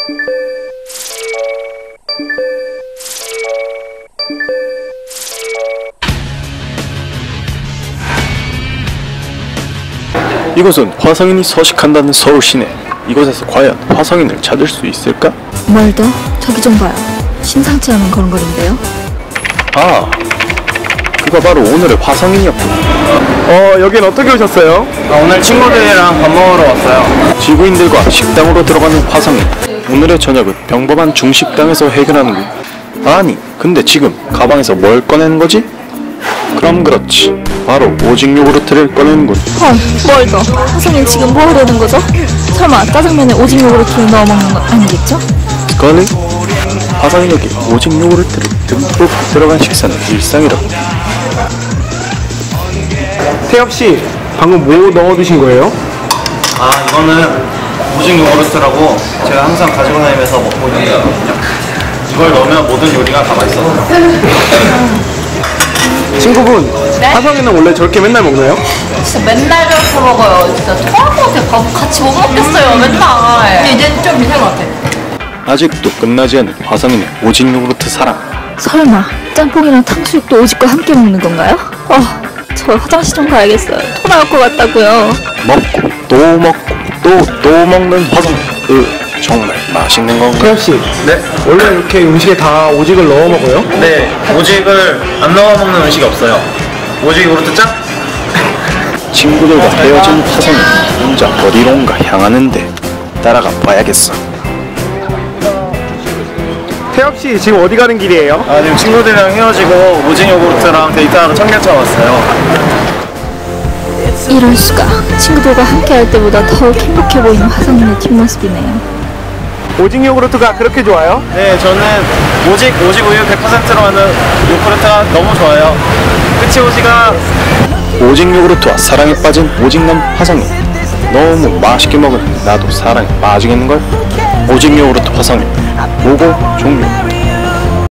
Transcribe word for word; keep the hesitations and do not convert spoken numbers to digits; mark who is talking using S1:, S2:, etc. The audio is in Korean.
S1: 이곳은 화성인이 서식한다는 서울 시내. 이곳에서 과연 화성인을 찾을 수 있을까?
S2: 뭘 더? 저기 좀 봐요. 심상치 않은 걸음걸인데요.
S1: 아, 그가 바로 오늘의 화성인이었군.
S3: 어, 여긴 어떻게 오셨어요?
S4: 아, 오늘 친구들이랑 밥 먹으러 왔어요.
S1: 지구인들과 식당으로 들어가는 화성인. 오늘의 저녁은 평범한 중식당에서 해결하는군. 아니, 근데 지금 가방에서 뭘 꺼내는 거지? 그럼 그렇지, 바로 오직 요구르트를 꺼내는군.
S2: 헐, 뭘 더? 화성인 지금 뭐 하려는 거죠? 설마 짜장면에 오직 요구르트를 넣어 먹는 건 아니겠죠?
S1: 스컬리? 화성인에게 오직 요구르트를 듬뿍 들어간 식사는 일상이라고.
S3: 태엽씨, 방금 뭐 넣어두신 거예요?
S4: 아, 이거는 오직 요구르트라고 제가 항상 가지고 다니면서 먹고 있는 거거든요. 이걸 넣으면 모든 요리가 다 맛있어져요.
S3: 친구분,
S5: 네?
S3: 화성이는 원래 저렇게 맨날 먹나요?
S5: 진짜 맨날 저렇게 먹어요. 진짜 토할 것 같아요. 밥 같이 못 먹겠어요. 맨날. 근데 이제는 좀 비슷한 것 같아.
S1: 아직도 끝나지 않은 화성인의 오직 요구르트 사랑.
S2: 설마 짬뽕이랑 탕수육도 오직과 함께 먹는 건가요? 어, 저 화장실 좀 가야겠어요. 토 나올 것 같다고요.
S1: 먹고 또 먹고 또 또 먹는 화성인. 으, 정말 맛있는 건가?
S3: 태엽씨,
S4: 네?
S3: 원래 이렇게 음식에 다 오직을 넣어 먹어요?
S4: 네, 오직을 안 넣어 먹는 음식이 없어요. 오직 요구르트 짱?
S1: 친구들과 헤어진 화성인 혼자 어디론가 향하는데 따라가 봐야겠어.
S3: 태엽씨, 지금 어디 가는 길이에요?
S4: 아, 지금 친구들이랑 헤어지고 오직 요구르트랑 데이트하러 청계천 왔어요.
S2: 이럴 수가. 친구들과 함께 할 때보다 더욱 행복해 보이는 화성인의 뒷모습이네요.
S3: 오직 요구르트가 그렇게 좋아요?
S4: 네, 저는 오직, 오직 우유 백 퍼센트로 하는 요구르트가 너무 좋아요. 그치, 오직아?
S1: 오직 요구르트와 사랑에 빠진 오직남 화성인. 너무 맛있게 먹으니 나도 사랑에 빠지겠는걸? 오직 요구르트 화성인 보고 종료.